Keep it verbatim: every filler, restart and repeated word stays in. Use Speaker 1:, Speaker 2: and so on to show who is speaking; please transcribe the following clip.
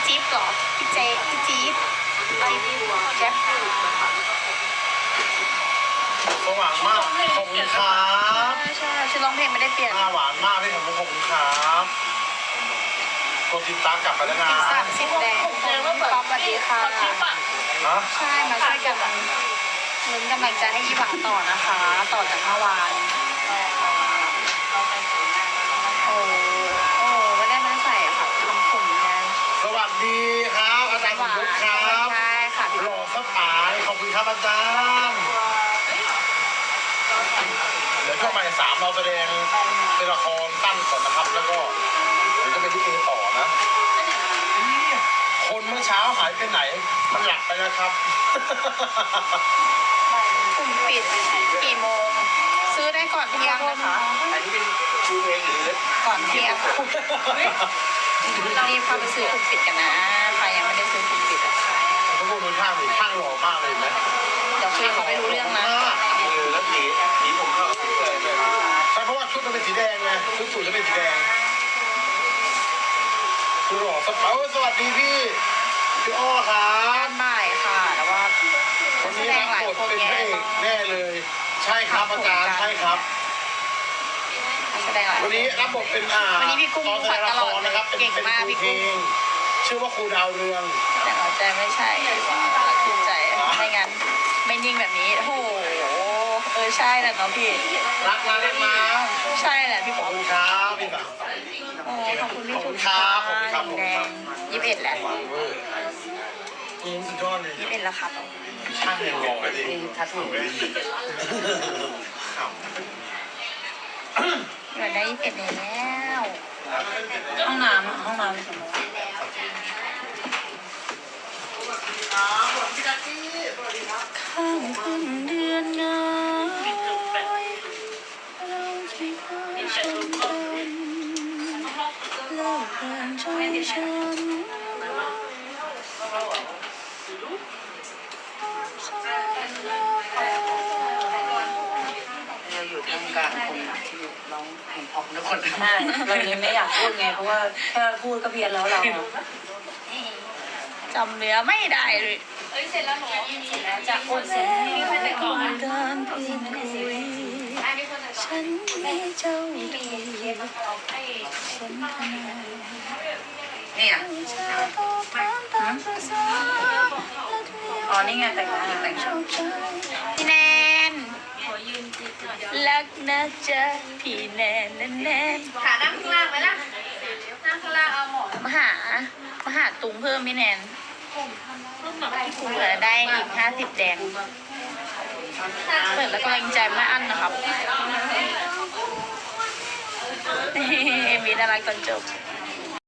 Speaker 1: จิ๊บหรอพี่เจพี่จี๊บจี๊บแจ๊บ
Speaker 2: สว่างมากขอบคุณครับ
Speaker 1: ใช่ชื่อร้องเพลงไม่ได้เปลี่ยน
Speaker 2: หน้าหวานมากพี่ผมขอบคุณครับกดติดตามกลับไปแล้วนะ
Speaker 1: สามสิบแดงป๊อปสวัสดีค่ะ
Speaker 2: ฮะ
Speaker 1: ใช่มาช่วยกันลุ้นกำลังใจให้ยี่หวังต่อนะคะ ต่อจากเมื่อวานโอ้โอ้ไม่ได้มาใส่อะค่ะทำผมนะ
Speaker 2: สวัสดีครับอาจารย์สมยศครับ
Speaker 1: ใช่ค่ะ
Speaker 2: หล่อสปายขอบคุณครับอาจารย์เดี๋ยวช่วงบ่ายสามเราแสดงเป็นละครตั้นก่อนนะครับแล้วก็เดี๋ยวจะไปที่เอต่อนะคนเมื่อเช้าหายไปไหนมันหลับไปแล้วครับ
Speaker 1: กลุ่มปิดกี่โมงซื้อได้ก่อนเที่ยงนะคะ
Speaker 2: อันนี้เป็นคูเพลงหรือ
Speaker 1: ก่อนเที่ยงรีบเข้าไปซื้อกลุ่มปิดกันนะใครยังไม่ได้ซื้อกลุ่มปิดอะ
Speaker 2: ทุกคนดูข้างดิข้างหล่อมากเลยไหม
Speaker 1: เดี๋ยวคุยเขาไม่รู้เรื่องนะ
Speaker 2: เออแล้วสีสีผมก็เลยใช่เพราะว่าชุดมันเป็นสีแดงไงชุดสูทจะเป็นสีแดงคือหล่อสปาสวัสดีพี่พี่อ้อครับ
Speaker 1: บ่ายค่ะแล้วว่า
Speaker 2: วันนี้รับบทเป็นพระเอกแน่เลยใช่ครับอาจารย์ใช่ครับ
Speaker 1: แสดงหลาย
Speaker 2: วันนี้รับบทเป็นอ่า
Speaker 1: วันนี้พี่กุ้ง
Speaker 2: ตอนแสดงละครนะครับ
Speaker 1: เก่งมากพี่กุ้ง
Speaker 2: ชื่อว่าครูดาวเรือง
Speaker 1: แต่หัวใจไม่ใช่ถูกใจไม่งั้นไม่นิ่งแบบนี้โอ้โหเออใช่แหละน้องพี่
Speaker 2: รักนะรักนะ
Speaker 1: ใช่แหละพี่
Speaker 2: ขอบคุณครับพี่แบบ
Speaker 1: โอ้ขอบคุณพี่ทุก
Speaker 2: ท่านขอบคุณครับ
Speaker 1: แดงยี่สิบเอ็ดแหละ
Speaker 2: อืมสุดยอดเลย
Speaker 1: ยี่สิบเอ็ดแล้วครับ
Speaker 2: ช่างยังรอเลย
Speaker 1: ทัดหูอยู่ได้ยี่สิบเอ็ดแล้วห้องน้ำห้องน้ำข้างขึ้นเดือนน้อยเราที่เคยชมกันเลิกกันใจฉัน
Speaker 3: เราอยู่ท่ามกลางคนที่ร้องเพลงพอทุกคนใช่เรายังไม่อยากพูดไงเพราะว่าแค่พูดก็เพี้ยนแล้วเรา
Speaker 1: จำเนื้อไม่ได้เลย
Speaker 4: เอ้ยเสร็จแล้วหนูเสร็จแล้วจะโอนเสร็จมีคนแต่ก่อนนะ
Speaker 1: ฉันไม่เจ้าดี
Speaker 3: เนี่ยอ๋อนี่ไงแต่งแต่งชุด
Speaker 1: พี่แนนรักนะจ๊ะพี่แนนแนนแนน
Speaker 4: ขานั่งข้างล่างไหมล่ะนั่งข้างล่างเอาหมอน
Speaker 1: มาหามาหาตุงเพิ่มพี่แนนเหลือได้อีกห้าสิบแดงเปิดแล้วก็ยังใจไม่อั้นนะครับเอ็มวีน่ารักตอนจบ